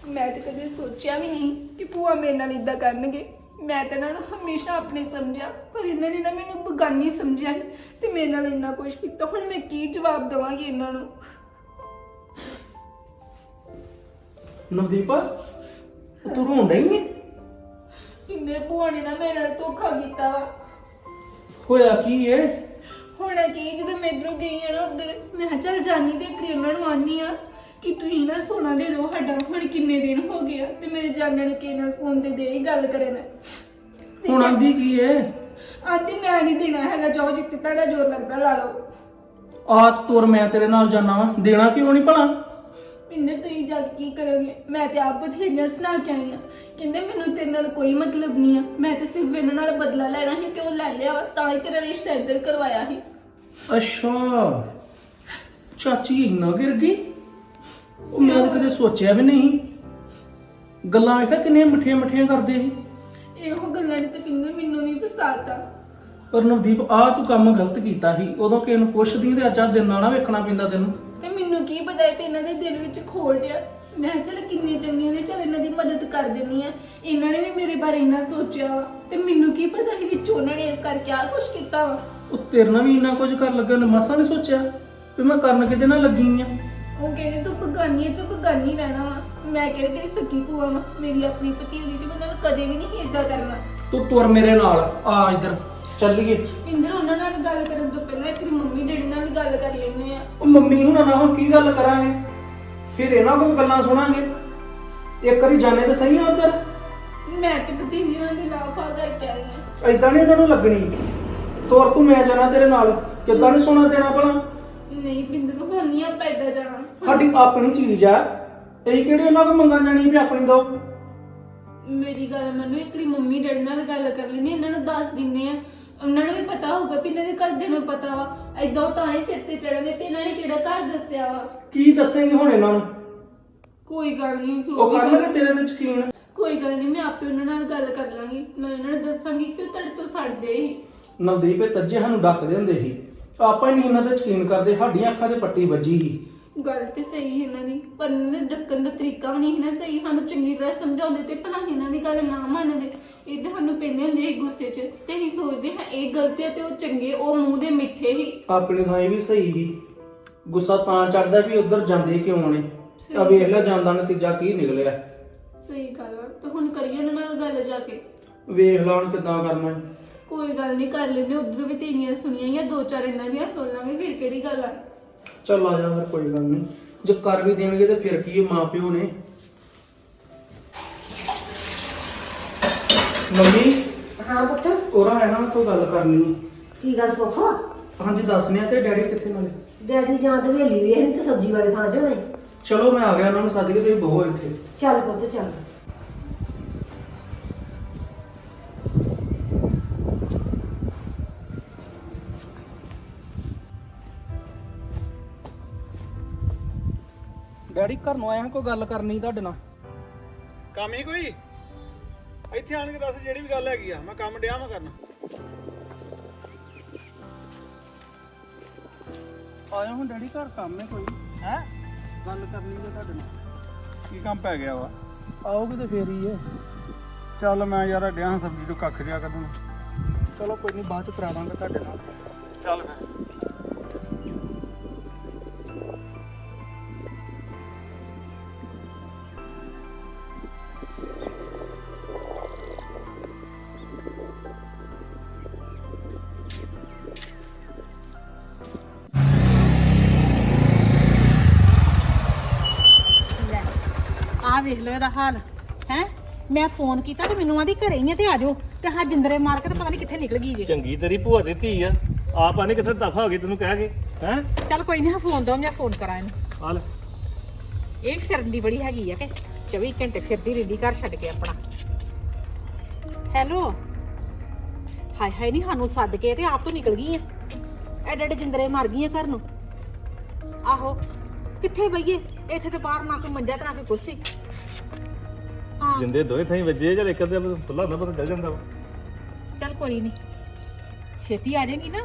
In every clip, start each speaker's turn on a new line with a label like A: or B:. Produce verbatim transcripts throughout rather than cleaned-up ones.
A: मैं तो कभी सोचा भी नहीं कि भूआ मेरे नाल इदा करनगे। मैं तो इन्हां नूं हमेशा अपने समझा, पर इन्होंने ना मैनूं बेगानी समझा है ते मेरे नाल इन्ना कुछ कीता। हुण मैं की जवाब देवांगी इन्हां नूं?
B: नवदीप तू रोन डई है?
A: इन्ने भूआ ने ना मेरे नाल धोखा कीता वा।
B: होया की है?
A: होना की जो मैं इधरों गई है ना उधर, मैं चल जानी ते इक उन्होंने आनी आ कि तुसीं ना सोना दे दो साडा। हुण किन्ने दिन हो गया ते मेरे जाने ने किहे नाल फोन ते दे ही गल करन।
B: हुण आंदी की है?
A: आंदी मैं नहीं देना हैगा, जाओ जित्ते तुहाडा जोर लगदा ला लो।
B: आ तुर मैं तेरे नाल जाना वा, देना क्यों नहीं भला?
A: इन्ने तुसीं जग की करोगे? मैं ते आप बथेरियां सुना के आई हां, कहंदे मैनूं तेरे नाल कोई मतलब नहीं है, मैं ते सिर्फ इन्हां नाल बदला लेना ही ते ओह ले लिया वा, तां ही तेरा रिश्ता इधर करवाया ही।
B: अच्छा चाची इन्ना गिर गई? ਉਹ ਮੈਂ ਤਾਂ ਕਦੇ ਸੋਚਿਆ ਵੀ ਨਹੀਂ। ਗੱਲਾਂ ਵੇਖਿਆ ਕਿੰਨੀਆਂ ਮਿੱਠੀਆਂ ਮਿੱਠੀਆਂ ਕਰਦੇ ਸੀ।
A: ਇਹੋ ਗੱਲਾਂ ਨੇ ਤਾਂ ਕਿੰਨੇ ਮੈਨੂੰ ਵੀ ਫਸਾਤਾ।
B: ਪਰ ਨਵਦੀਪ ਆ ਤੂੰ ਕੰਮ ਗਲਤ ਕੀਤਾ ਸੀ। ਉਦੋਂ ਕਿਸੇ ਨੂੰ ਪੁੱਛਦੀ ਤੇ ਅੱਜ ਆ ਦਿਨ ਨਾਲ ਨਾ ਵੇਖਣਾ ਪੈਂਦਾ ਤੈਨੂੰ।
A: ਤੇ ਮੈਨੂੰ ਕੀ ਪਤਾ ਹੈ ਤੇ ਇਹਨਾਂ ਦੇ ਦਿਲ ਵਿੱਚ ਖੋਲ ਗਿਆ। ਮੈਂ ਚੱਲ ਕਿੰਨੇ ਚੰਗੇ ਨੇ, ਚੱਲ ਇਹਨਾਂ ਦੀ ਮਦਦ ਕਰ ਦਿੰਨੀ ਆ। ਇਹਨਾਂ ਨੇ ਵੀ ਮੇਰੇ ਬਾਰੇ ਇੰਨਾ ਸੋਚਿਆ ਤੇ ਮੈਨੂੰ ਕੀ ਪਤਾ ਸੀ ਵਿੱਚ ਉਹਨਾਂ ਨੇ ਇਸ ਕਰਕੇ ਆ ਕੁਝ ਕੀਤਾ ਵਾ।
B: ਉਹ ਤੇਰੇ ਨਾਲ ਵੀ ਇੰਨਾ ਕੁਝ ਕਰਨ ਲੱਗਾ ਨੇ ਮਸਾਂ ਨਹੀਂ ਸੋਚਿਆ ਵੀ ਮੈਂ ਕਰਨ ਕਿਤੇ ਨਾਲ ਲੱਗੀ ਆ।
A: ਉਹ ਕਹਿੰਦੇ ਤੂੰ ਬਗਾਨੀ ਹੈ, ਤੂੰ ਬਗਾਨੀ ਰਹਿਣਾ ਵਾ। ਮੈਂ ਕਿਹਾ ਤੇਰੀ ਸੱਕੀ ਭੂਆ ਵਾ, ਮੇਰੀ ਆਪਣੀ ਭਤੀਜੀ ਤੇ ਮੈਂ ਨਾਲ ਕਦੇ ਵੀ ਨਹੀਂ ਏਦਾਂ ਕਰਨਾ।
B: ਤੂੰ ਤੁਰ ਮੇਰੇ ਨਾਲ ਆ ਇੱਧਰ ਚੱਲੀਏ।
A: ਇੰਦਰ ਉਹਨਾਂ ਨਾਲ ਗੱਲ ਕਰਨ ਤੋਂ ਪਹਿਲਾਂ ਤੇਰੀ ਮੰਮੀ ਡੈਡੀ ਨਾਲ ਗੱਲ ਕਰ ਲੈਂਦੇ ਆ।
B: ਉਹ ਮੰਮੀ ਹੁਣਾਂ ਨਾਲ ਹੁਣ ਕੀ ਗੱਲ ਕਰਾਂਗੇ? ਫਿਰ ਇਹਨਾਂ ਕੋਲ ਗੱਲਾਂ ਸੁਣਾਂਗੇ। ਇੱਕ ਵਾਰੀ ਜਾਣੇ ਤਾਂ ਸਹੀ ਆ ਉੱਧਰ।
A: ਮੈਂ ਤੇ ਭਤੀਜੀਆਂ ਦੇ ਲਾਫਾ ਕਰਕੇ ਆਈ ਆ।
B: ਏਦਾਂ ਨਹੀਂ ਇਹਨਾਂ ਨੂੰ ਲੱਗਣੀ। ਤੁਰ ਤੂੰ, ਮੈਂ ਜਾਣਾ ਤੇਰੇ ਨਾਲ। ਕਿੱਦਾਂ ਨਹੀਂ ਸੋਣਾ ਦੇਣਾ ਭਲਾ?
A: ਨਹੀਂ ਬਿੰਦਰ ਨੂੰ ਹੁਣ ਨਹੀਂ ਆਪਾਂ ਏਦਾਂ ਜਾਣਾ।
B: ਸਾਡੀ ਆਪਣੀ ਚੀਜ਼ ਆ, ਇਹ ਕਿਹੜੀ ਉਹਨਾਂ ਕੋਲ ਮੰਗਣ ਜਾਣੀ ਵੀ ਆਪਣੀ ਦੋ।
A: ਮੇਰੀ ਗੱਲ ਮੈਨੂੰ ਇੱਕ ਵਾਰੀ ਮੰਮੀ ਡੈਡੀ ਨਾਲ ਗੱਲ ਕਰ ਲੈਣੀ, ਇਹਨਾਂ ਨੂੰ ਦੱਸ ਦਿੰਨੇ ਆ। ਉਹਨਾਂ ਨੂੰ ਵੀ ਪਤਾ ਹੋਊਗਾ ਵੀ ਇਹਨਾਂ ਦੇ ਘਰਦਿਆਂ ਨੂੰ ਪਤਾ ਵਾ। ਏਦਾਂ ਤਾਂ ਹੀ ਸਿਰ ਤੇ ਚੜ੍ਹਨੇ ਵੀ ਇਹਨਾਂ ਨੇ ਕਿਹੜਾ ਘਰ ਦੱਸਿਆ ਵਾ।
B: ਕੀ ਦੱਸੇਂਗੇ ਹੁਣ ਇਹਨਾਂ ਨੂੰ?
A: ਕੋਈ ਗੱਲ ਨਹੀਂ,
B: ਉਹ ਕਰਨਗੇ ਤੇਰੇ ਤੇ ਯਕੀਨ।
A: ਕੋਈ ਗੱਲ ਨਹੀਂ, ਮੈਂ ਆਪੇ ਉਹਨਾਂ ਨਾਲ ਗੱਲ ਕਰ ਲਾਂਗੀ। ਮੈਂ ਇਹਨਾਂ ਨੂੰ ਦੱਸਾਂਗੀ ਕਿ ਉਹ ਤੁਹਾਡੇ ਤੋਂ ਸੜਦੇ ਹੀ।
B: ਨਵਦੀਪ ਇਹ ਤੱਜੇ ਸਾਨੂੰ ਡੱਕਦੇ ਹੁੰਦੇ ਸੀ, ਆਪਾਂ ਹੀ ਨਹੀਂ ਇਹਨਾਂ ਤੇ ਯਕੀਨ ਕਰਦੇ। ਸਾਡੀਆਂ ਅੱਖਾਂ ਤੇ ਪੱਟੀ ਵੱਜੀ ਸੀ। ਗੱਲ
A: ਤੇ ਸਹੀ ਇਹਨਾਂ ਦੀ, ਪਰ ਇਹਨਾਂ ਦੇ ਡੱਕਣ ਦਾ ਤਰੀਕਾ ਵੀ ਨਹੀਂ ਨਾ ਸਹੀ। ਸਾਨੂੰ ਚੰਗੀ ਤਰ੍ਹਾਂ ਸਮਝਾਉਂਦੇ ਤੇ ਭਲਾ ਇਹਨਾਂ ਦੀ ਗੱਲ ਨਾ ਮੰਨਦੇ। ਇਹ ਸਾਨੂੰ ਪੈਂਦੇ ਹੁੰਦੇ ਸੀ ਗੁੱਸੇ 'ਚ ਤੇ ਅਸੀਂ ਸੋਚਦੇ ਹਾਂ ਇਹ ਗਲਤ ਹੈ ਤੇ ਉਹ ਚੰਗੇ, ਉਹ ਮੂੰਹ ਦੇ ਮਿੱਠੇ ਹੀ।
B: ਆਪਣੀ ਥਾਂ ਵੀ ਸਹੀ ਸੀ। ਗੁੱਸਾ ਤਾਂ ਚੜਦਾ ਵੀ ਉਧਰ ਜਾਂਦੇ ਕਿਉਂ ਨੇ। ਆ ਵੇਖ ਲੈ ਜਾਂਦਾ ਨਤੀਜਾ ਕੀ ਨਿਕਲਿਆ।
A: ਸਹੀ ਗੱਲ ਆ। ਤੇ ਹੁਣ ਕਰੀਏ ਇਹਨਾਂ ਨਾਲ ਗੱਲ ਜਾ ਕੇ।
B: ਵੇਖ ਲਾ ਹੁਣ ਕਿੱਦਾਂ ਕਰਨਾ।
A: ਕੋਈ ਗੱਲ ਨਹੀਂ, ਕਰ ਲੈਂਦੇ। ਉਧਰ ਵੀ ਤੇਰੀਆਂ ਸੁਣੀਆਂ ਜਾਂ ਦੋ ਚਾਰ ਇਹਨਾਂ ਦੀਆਂ ਸੁਣ ਲਾਂਗੇ, ਫਿਰ ਕਿਹੜੀ ਗੱਲ ਆ।
B: ਚੱਲ ਆ ਜਾ ਫਿਰ, ਕੋਈ ਗੱਲ ਨਹੀਂ। ਜੇ ਕਰ ਵੀ ਦੇਣਗੇ ਤੇ ਫਿਰ ਕੀ, ਮਾਂ ਪਿਓ ਨੇ। ਮੰਮੀ
C: ਹਾਂ ਪੁੱਤ,
B: ਉਹਰਾ ਹੈ ਨਾ ਕੋਈ ਗੱਲ ਕਰਨੀ।
C: ਕੀ ਗੱਲ ਸੁੱਖ?
B: ਹਾਂਜੀ ਦੱਸਨੇ ਆ। ਤੇ ਡੈਡੀ ਕਿੱਥੇ ਨਾਲੇ?
C: ਡੈਡੀ ਜਾਂ ਤੇ ਹਵੇਲੀ ਵੇਖ ਤੇ ਸਬਜ਼ੀ ਵਾਲੇ ਥਾਂ ਜਾਣਾ।
B: ਚਲੋ ਮੈਂ ਆ ਗਿਆ, ਉਹਨਾਂ ਨੂੰ ਸੱਦ ਕੇ ਤੁਸੀਂ ਬਹੋ ਇੱਥੇ।
C: ਚੱਲ ਪੁੱਤ ਚੱਲ।
B: ਡੈਡੀ ਘਰ ਨੂੰ ਆਇਆ ਕੋਈ ਗੱਲ ਕਰਨੀ ਤੁਹਾਡੇ ਨਾਲ।
D: ਕੰਮ ਹੀ ਕੋਈ ਇੱਥੇ ਆਣ ਕੇ ਦੱਸ ਜਿਹੜੀ ਵੀ ਗੱਲ ਹੈਗੀ ਆ। ਮੈਂ ਕੰਮ ਡਿਆ ਮੈਂ ਕਰਨਾ।
B: ਆਇਆ ਹੁਣ ਡੈਡੀ ਘਰ ਕੰਮ ਹੈ ਕੋਈ।
D: ਹੈ
B: ਗੱਲ ਕਰਨੀ ਹੈ ਤੁਹਾਡੇ ਨਾਲ।
D: ਕੀ ਕੰਮ ਪੈ ਗਿਆ ਵਾ?
B: ਆਓਗੇ ਤੇ ਫੇਰ ਹੀ ਹੈ।
D: ਚੱਲ ਮੈਂ ਯਾਰ ਡਿਆ ਸਬਜ਼ੀ ਤੋਂ ਕੱਖ ਜਿਆ ਕੱਢਣ।
B: ਚਲੋ ਕੋਈ ਨਹੀਂ, ਬਾਅਦ ਚ ਕਰਾ ਦਾਂਗੇ ਤੁਹਾਡੇ ਨਾਲ।
D: ਚੱਲ ਫਿਰ।
E: ਆ ਵੇਖ ਲੋ ਇਹਦਾ ਹਾਲ ਹੈ। ਮੈਂ ਫੋਨ ਕੀਤਾ ਤੇ ਮੈਨੂੰ ਆਂਦੀ ਘਰੇ ਹੀ ਆ ਤੇ ਆ ਜਾਓ, ਤੇ ਹਾਂ ਜਿੰਦਰੇ ਮਾਰ ਕੇ ਤੇ ਪਤਾ ਨਹੀਂ ਕਿੱਥੇ ਨਿਕਲ ਗਈ ਜੇ।
D: ਚੰਗੀ ਤੇਰੀ ਭੂਆ ਦੀ ਧੀ ਆ, ਆਪ ਆਨੇ ਕਿੱਥੇ ਦਫਾ ਹੋ ਗਈ ਤੈਨੂੰ ਕਹਿ ਕੇ। ਹੈ
E: ਚੱਲ ਕੋਈ ਨਹੀਂ, ਫੋਨ ਦੋ, ਮੈਂ ਫੋਨ ਕਰਾਂ ਇਹਨੂੰ।
D: ਹਾਲ
E: ਇਹ ਫਿਰਨ ਦੀ ਬੜੀ ਹੈਗੀ ਆ ਕਿ ਚੌਵੀ ਘੰਟੇ ਫਿਰਦੀ ਰਹਿੰਦੀ ਘਰ ਛੱਡ ਕੇ ਆਪਣਾ। ਹੈਲੋ, ਹਾਏ ਹਾਏ ਨਹੀਂ ਸਾਨੂੰ ਸੱਦ ਕੇ ਤੇ ਆਪ ਤੋਂ ਨਿਕਲ ਗਈ ਆ। ਐਡੇ ਐਡੇ ਜਿੰਦਰੇ ਮਾਰ ਗਈ ਆ ਘਰ ਨੂੰ। ਆਹੋ ਕਿੱਥੇ ਬਈਏ? ਇੱਥੇ ਤੇ ਬਾਹਰ ਨਾ ਕੋਈ ਮੰਜਾ ਤੇ ਨਾ ਕੋਈ ਕੁਰਸੀ। ਹਾਂ
D: ਜਿੰਦੇ ਦੋਵੇਂ ਥਾਈ ਵੱਜੇ ਜਾਂ ਇੱਕ ਅੱਧੇ ਪੁੱਲਾ ਨਾ ਪਤਾ ਡਲ ਜਾਂਦਾ ਵਾ।
E: ਚੱਲ ਕੋਈ ਨਹੀਂ, ਛੇਤੀ ਆ ਜਾਏਗੀ ਨਾ।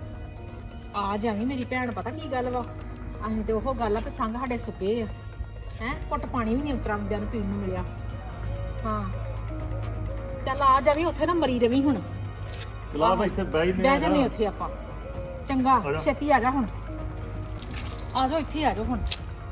E: ਆ ਜਾਵੀਂ ਮੇਰੀ ਭੈਣ। ਪਤਾ ਕੀ ਗੱਲ ਵਾ, ਅਸੀਂ ਤੇ ਉਹ ਗੱਲ ਆ ਤੇ ਸੰਗ ਸਾਡੇ ਸੁੱਕੇ ਆ। ਹੈ ਘੁੱਟ ਪਾਣੀ ਵੀ ਨਹੀਂ ਉਤਰਾਉਂਦਿਆਂ ਨੂੰ ਪੀਣ ਨੂੰ ਮਿਲਿਆ। ਹਾਂ ਚੱਲ ਆ ਜਾਵੀਂ ਉੱਥੇ ਨਾ ਮਰੀ ਰਵੀ ਹੁਣ।
D: ਚਲਾ ਮੈਂ ਇੱਥੇ ਬਹਿ ਹੀ
E: ਬਹਿ ਜਾਂਦੇ ਉੱਥੇ ਆਪਾਂ। ਚੰਗਾ
D: ਆ ਜਾ।
E: ਛੇਤੀ ਆ ਜਾ ਹੁਣ। ਆ ਜਾਓ ਇੱਥੇ ਆ ਜਾਓ ਹੁਣ।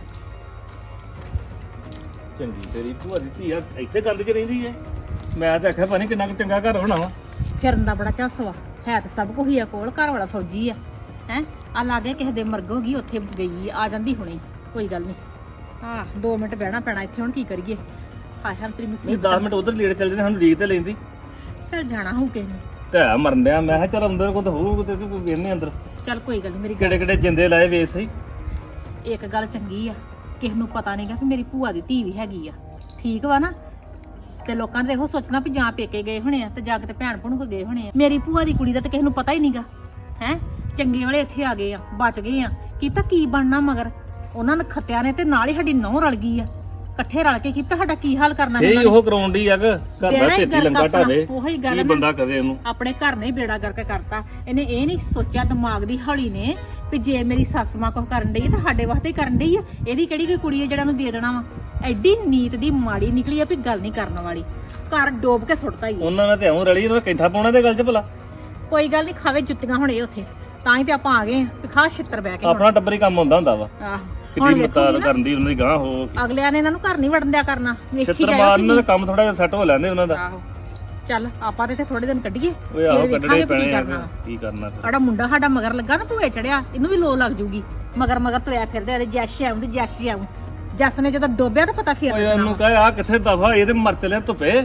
D: ਚੰਗੀ ਤੇਰੀ ਭੂਆ ਦੀ ਧੀ ਆ ਇੱਥੇ ਗੰਦ 'ਚ ਰਹਿੰਦੀ ਏ। ਮੈਂ ਤਾਂ ਆਖਿਆ ਪਾਣੀ ਕਿੰਨਾ ਕੁ ਚੰਗਾ ਘਰ ਹੋਣਾ ਵਾ।
E: ਫਿਰਨ ਦਾ ਬੜਾ ਝੱਸ ਵਾ, ਹੈ ਤਾਂ ਸਭ ਕੁਝ ਹੀ ਆ ਕੋਲ। ਘਰ ਵਾਲਾ ਫੌਜੀ ਆ ਹੈ। ਆ ਲਾਗੇ ਕਿਸੇ ਦੇ ਮਰਗ ਹੋ ਗਈ, ਉੱਥੇ ਗਈ ਆ ਜਾਂਦੀ ਹੁਣੇ। ਕੋਈ ਗੱਲ ਨਹੀਂ। ਹਾਂ ਦੋ ਮਿੰਟ ਬਹਿਣਾ ਪੈਣਾ ਇੱਥੇ। ਹੁਣ ਕੀ ਕਰੀਏ? ਹਾਏ ਹਾਏ ਤੇਰੀ
D: ਨਹੀਂ
E: ਮੁਸੀਬਤ।
D: ਦਸ ਮਿੰਟ ਉਧਰ ਲੇਟ ਚੱਲ ਜਾਂਦੇ ਸਾਨੂੰ ਲੀਕ ਤੇ ਲੈਂਦੀ
E: ਚੱਲ ਜਾਣਾ ਹੋਊ ਕਿਸੇ ਨੂੰ।
D: ਢਾ ਮਰਨ ਡਿਆ। ਮੈਂ ਕਿਹਾ ਚੱਲ ਅੰਦਰ ਕੋਈ ਹੋਊ ਤੇ ਕੋਈ ਵੇਖਨੇ ਅੰਦਰ
E: ਚੱਲ ਕੋਈ ਗੱਲ ਨੀ। ਮੇਰੀ
D: ਕਿਹੜੇ ਕਿਹੜੇ ਜਿੰਦੇ ਲਾਏ ਵੇਚ ਸਹੀ।
E: ਇੱਕ ਗੱਲ ਚੰਗੀ ਆ, ਕਿਸੇ ਨੂੰ ਪਤਾ ਨਹੀਂਗਾ ਕਿ ਮੇਰੀ ਭੂਆ ਦੀ ਧੀ ਵੀ ਹੈਗੀ ਆ। ਠੀਕ ਵਾ ਨਾ? ਤੇ ਲੋਕਾਂ ਨੇ ਇਹੋ ਸੋਚਣਾ ਵੀ ਜਾਂ ਪੇਕੇ ਗਏ ਹੋਣੇ ਆ ਤੇ ਜਾ ਕੇ ਤੇ ਭੈਣ ਭਣੂ ਕੋ ਗਏ ਹੋਣੇ ਆ। ਮੇਰੀ ਭੂਆ ਦੀ ਕੁੜੀ ਦਾ ਤੇ ਕਿਸੇ ਨੂੰ ਪਤਾ ਹੀ ਨਹੀਂਗਾ ਹੈ। ਚੰਗੇ ਵਾਲੇ ਇੱਥੇ ਆ ਗਏ ਆ, ਬਚ ਗਏ ਆ। ਕੀ ਤਾਂ ਕੀ ਬਣਨਾ ਮਗਰ ਉਹਨਾਂ ਨੇ ਖੱਤਿਆਂ ਨੇ ਤੇ ਨਾਲ ਹੀ ਸਾਡੀ ਨਹੁੰ ਰਲ ਗਈ ਆ। ਇਕੱਠੇ ਰਲ ਕੇ ਕੀਤਾ ਸਾਡਾ ਕੀ ਹਾਲ ਕਰਨਾ
D: ਇਹ
E: ਇਹਨਾਂ ਨੇ।
D: ਉਹ ਕਰਾਉਣ ਦੀ ਆ ਕਿ ਘਰ
E: ਬੇੜਾ
D: ਦਾ
E: ਹੀ
D: ਢੇਤੀ ਲੰਗਾ
E: ਗਰਕ
D: ਢਾਵੇ।
E: ਆਪਣਾ, ਉਹੀ ਗੱਲ
D: ਕੀ
E: ਨਾ।
D: ਬੰਦਾ ਕਰੇ ਉਹਨੂੰ।
E: ਆਪਣੇ ਘਰ ਨੇ ਬੇੜਾ ਕਰਕੇ ਕਰਤਾ। ਇਹਨੇ ਇਹ ਨਹੀਂ ਸੋਚਿਆ ਦਿਮਾਗ ਦੀ ਹੌਲੀ ਨੇ ਵੀ ਜੇ ਮੇਰੀ ਸੱਸ ਮਾਂ ਕੁਝ ਕਰਨ ਡਈ ਆ ਤਾਂ ਸਾਡੇ ਵਾਸਤੇ ਹੀ ਕਰਨ ਡਈ ਆ। ਇਹਦੀ ਕਿਹੜੀ ਕੋਈ ਕੁੜੀ ਆ ਜਿਹੜਾ ਨੂੰ ਦੇ ਦੇਣਾ ਵਾ। ਐਡੀ ਨੀਤ ਦੀ ਮਾੜੀ ਨਿਕਲੀ ਆ ਵੀ ਗੱਲ ਨਹੀਂ ਕਰਨ ਵਾਲੀ। ਘਰ ਡੋਬ ਕੇ ਸੁੱਟਤਾ ਹੀ ਆ।
D: ਉਹਨਾਂ ਨੇ ਤੇ ਐਉਂ ਰਲੀ ਉਹਨਾਂ ਕੈਂਠਾ ਪਾਉਣਾ ਤੇ ਗੱਲ 'ਚ ਭਲਾ।
E: ਕੋਈ ਗੱਲ ਨਹੀਂ, ਖਾਵੇ ਜੁੱਤੀਆਂ ਹੁਣ ਇਹ ਉੱਥੇ। ਤਾਂ ਹੀ ਤੇ ਆਪਾਂ ਆ ਗਏ ਆ ਵੀ ਖਾ ਛਿੱਤਰ ਬਹਿ ਕੇ ਹੁਣ।
D: ਆਪਣਾ ਟੱਬਰ ਹੀ ਕੰਮ ਹੁੰਦਾ ਹੁੰਦਾ ਵਾ।
E: ਆਹ
D: ਕਿੱਡੀ
E: ਹੁਣ
D: ਮਤਾਰ
E: ਵੇਖੂਗੀ ਨਾ,
D: ਕਰਨ ਦੀ ਉਹਨਾਂ ਦੀ ਗਾਂ ਹੋ
E: ਅਗਲਿਆਂ ਨੇ ਇਹਨਾਂ ਨੂੰ ਘਰ ਨਹੀਂ ਵੜਨ ਦਿਆ ਕਰਨਾ। ਵੇਖੀ
D: ਛਿੱਤਰ
E: ਜਾਇਓ
D: ਮਾਰਨ
E: ਤੁਸੀਂ।
D: ਦਾ ਕੰਮ ਥੋੜਾ ਜਿਹਾ ਸੈੱਟ ਹੋ ਲੈਂਦੇ ਉਹਨਾਂ ਦਾ।
E: ਆਹੋ ਚੱਲ ਆਪਾਂ ਤੇ ਇੱਥੇ ਥੋੜੇ ਦਿਨ ਕੱਢੀਏ,
D: ਓਏ ਆਹੋ
E: ਫਿਰ
D: ਕੱਢਣੇ
E: ਵੇਖਾਂਗੇ ਵੀ
D: ਪੈਣੇ
E: ਕੀ
D: ਆ
E: ਕਰਨਾ ਵਾ।
D: ਕੀ ਕਰਨਾ ਫਿਰ।
E: ਸਾਡਾ ਮੁੰਡਾ ਸਾਡਾ ਮਗਰ ਲੱਗਾ ਨਾ, ਭੂਏ ਚੜਿਆ। ਇਹਨੂੰ ਵੀ ਲੋ ਲੱਗ ਜੂਗੀ। ਮਗਰ ਮਗਰ ਤੁਰਿਆ ਫਿਰਦੇ ਇਹਦੇ ਜੈਸ਼ ਆਉਂ ਤੇ ਜੈਸ਼ ਆਉਂ। ਜੱਸ ਨੇ ਜਦੋਂ ਡੋਬਿਆ ਤਾਂ ਪਤਾ ਫਿਰ
D: ਓਏ ਉਹਨੂੰ ਕਹੇ ਆ ਕਿੱਥੇ ਦਫਾ ਇਹ ਤੇ ਮਰ ਚਲਿਆ ਧੁੱਪੇ।